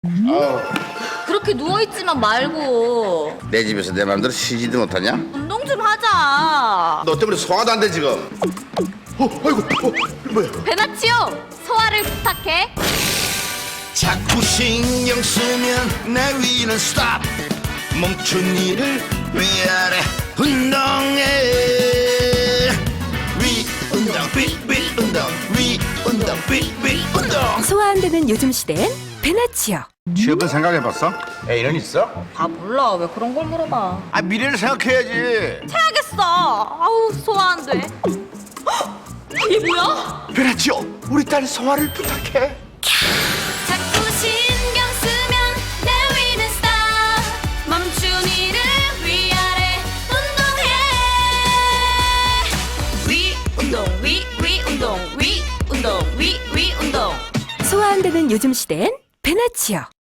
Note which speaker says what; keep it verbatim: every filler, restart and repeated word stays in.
Speaker 1: 아우,
Speaker 2: 그렇게 누워있지만 말고
Speaker 1: 내 집에서 내 맘대로 쉬지도 못하냐?
Speaker 2: 운동 좀 하자.
Speaker 1: 너 때문에 소화도 안 돼 지금. 어, 아이고, 어, 이거 뭐야?
Speaker 2: 베나치오, 소화를 부탁해.
Speaker 3: 자꾸 신경 쓰면 내 위는 스탑. 멈춘 일을 위아래 운동해. 위 운동 윗위 운동 위 운동 윗위 운동.
Speaker 4: 소화 안 되는 요즘 시대엔 베나치오.
Speaker 1: 취업은 생각해봤어? 애인은 있어?
Speaker 2: 아 몰라, 왜 그런 걸 물어봐.
Speaker 1: 아, 미래를 생각해야지.
Speaker 2: 해야겠어. 아우, 소화 안 돼. 헉! 이게 뭐야?
Speaker 1: 베라치오, 우리 딸 소화를 부탁해.
Speaker 2: 자꾸 신경 쓰면 내 위는 스탑. 멈춘 일을 위아래 운동해. 위 운동 위 위 운동 위 운동 위 위 운동.
Speaker 4: 소화 안 되는 요즘 시대엔 베나치오.